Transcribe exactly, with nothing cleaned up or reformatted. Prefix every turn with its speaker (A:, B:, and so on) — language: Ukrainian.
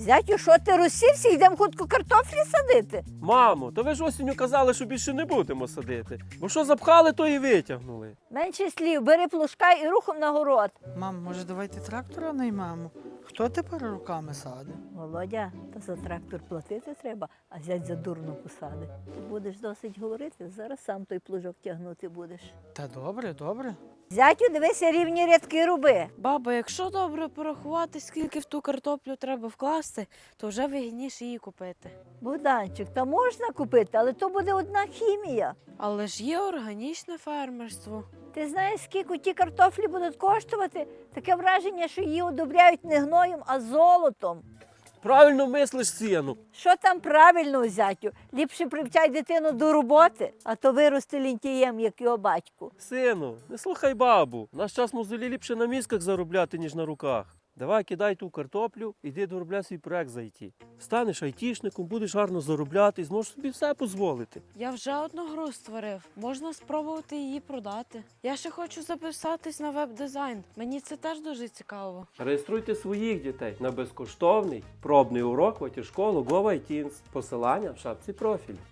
A: Зятю, що ти розсівся, йдемо хутко картофлі садити?
B: Мамо, то ви ж осінню казали, що більше не будемо садити. Бо що запхали, то і витягнули.
A: Менше слів, бери плужка і рухом на город.
C: Мам, може давайте трактора наймемо? Хто тепер руками садить?
A: Володя, та за трактор платити треба, а зять за дурно посади. Ти будеш досить говорити, зараз сам той плужок тягнути будеш.
C: Та добре, добре.
A: Зятю, дивися, рівні рядки руби.
D: Баба, якщо добре порахувати, скільки в ту картоплю треба вкласти, то вже вигідніше її купити.
A: Богданчик, та можна купити, але то буде одна хімія.
D: Але ж є органічне фермерство.
A: Ти знаєш, скільки ті картофлі будуть коштувати? Таке враження, що її одобряють не гноєм, а золотом.
B: Правильно мислиш, сину.
A: Що там правильно, зятю? Ліпше привчай дитину до роботи, а то виросте лінтієм, як його батьку.
B: Сину, не слухай бабу. В наш час мозолі ліпше на мізках заробляти, ніж на руках. Давай кидай ту картоплю, іди доробляй свій проект за ай ті. Станеш айтішником, будеш гарно заробляти і зможеш собі все дозволити.
D: Я вже одну гру створив. Можна спробувати її продати. Я ще хочу записатись на веб-дизайн. Мені це теж дуже цікаво.
B: Реєструйте своїх дітей на безкоштовний пробний урок в ай ті-школу GoVITins. Посилання в шапці профілю.